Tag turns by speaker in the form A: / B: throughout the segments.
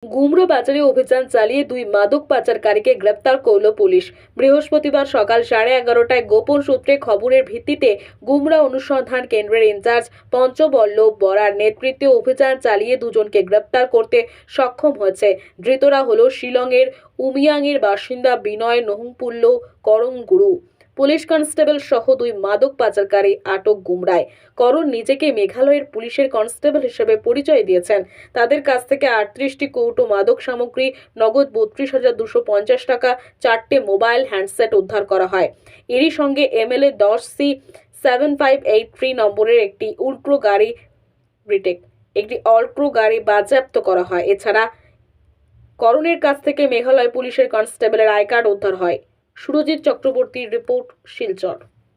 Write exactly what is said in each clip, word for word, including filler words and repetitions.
A: গুমরা বাজারে অভিযান চালিয়ে দুই মাদক পাচারকারীকে গ্রেপ্তার করল পুলিশ। বৃহস্পতিবার সকাল সাড়ে এগারোটায় গোপন সূত্রে খবরের ভিত্তিতে গুমরা অনুসন্ধান কেন্দ্রের ইনচার্জ পঞ্চবল্লভ বরার নেতৃত্বে অভিযান চালিয়ে দুজনকে গ্রেপ্তার করতে সক্ষম হয়েছে। ধৃতরা হল শিলংয়ের উমিয়াংয়ের বাসিন্দা বিনয় নহংপুল্ল করমগুরু। পুলিশ কনস্টেবল সহ দুই মাদক পাচারকারী আটক গুমরায়। করণ নিজেকে মেঘালয়ের পুলিশের কনস্টেবল হিসেবে পরিচয় দিয়েছেন। তাদের কাছ থেকে আটত্রিশটি কৌটো মাদক সামগ্রী, নগদ বত্রিশ হাজার দুশো পঞ্চাশ টাকা, চারটে মোবাইল হ্যান্ডসেট উদ্ধার করা হয়। এরই সঙ্গে এমএলএ দশ C seven five eight three নম্বরের একটি উল্ট্রো গাড়ি রিটেক একটি অল্ট্রো গাড়ি বাজেয়াপ্ত করা হয়। এছাড়া করণের কাছ থেকে মেঘালয় পুলিশের কনস্টেবলের আই কার্ড উদ্ধার হয়। সুরজিৎ चक्रवर्ती रिपोर्ट शिलचर।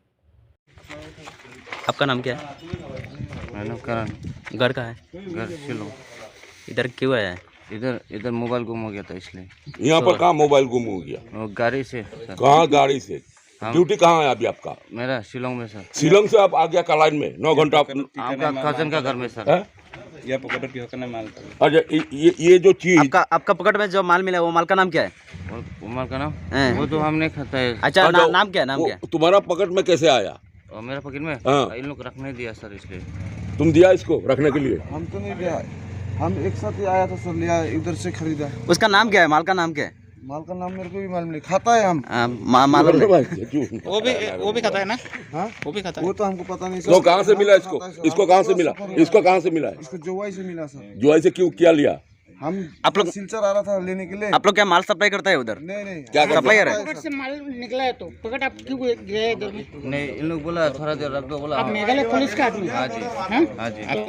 B: आपका नाम क्या है?
C: मेरा नाम करण।
B: घर का है?
C: घर शिलोंग।
B: इधर क्यों आया है?
C: इधर इधर मोबाइल गुम हो गया था इसलिए।
D: यहाँ पर कहाँ मोबाइल गुम हो गया?
C: वो गाड़ी से सर।
D: कहाँ गाड़ी से?
C: हम-
D: ड्यूटी कहाँ है अभी आपका?
C: मेरा शिलोंग में सर।
D: शिलोंग से आप आ गया कलाइन में नौ घंटा आप-
C: आपका कजन का घर में सर।
D: है?
E: या पकड़ के होकर माल
D: अच्छा ये- ये ये जो चीज
B: आपका आपका पकड़ में जो माल मिला है, वो माल का नाम क्या है?
C: और उमर का नाम
B: हैं।
C: वो तो हम नहीं खाता है।
B: अच्छा,
D: अच्छा,
B: ना, नाम क्या है? नाम
D: वो
B: क्या है?
D: तुम्हारा पकड़ में कैसे आया?
C: और मेरा पॉकेट में
D: हाँ।
C: इन लोग रखने दिया सर इसलिए।
D: तुम दिया इसको रखने के लिए?
E: हम तो नहीं लिया, हम एक साथ ही आया था सर, लिया इधर से खरीदा।
B: उसका नाम क्या है? माल का नाम क्या है?
E: माल का नाम मेरे को भी मालूम नहीं, खाता है हम।
B: आ, मा, मालूम नहीं।
E: वो भी वो भी खाता है ना? हाँ वो भी खाता है, वो तो हमको पता नहीं
D: तो कहाँ से मिला इसको? इसको कहाँ से मिला? इसको कहाँ से मिला है?
E: इसको जोवाई से मिला सर।
D: जो ऐसे क्यों क्या लिया?
E: हम
B: आप लोग-
E: सिलचर आ रहा था लेने के लिए।
B: आप लोग क्या माल सप्लाई करता है उधर?
E: नहीं नहीं
D: क्या करते?
B: सप्लायर है?
F: पकड़ से माल निकला है तो पकड़ आप क्यों गए इधर में?
C: नहीं इन लोग बोला थोड़ा देर रख दो बोला।
F: आप मेघालय पुलिस का आदमी
C: हाँ जी
F: हैं?
C: हाँ जी।
F: आप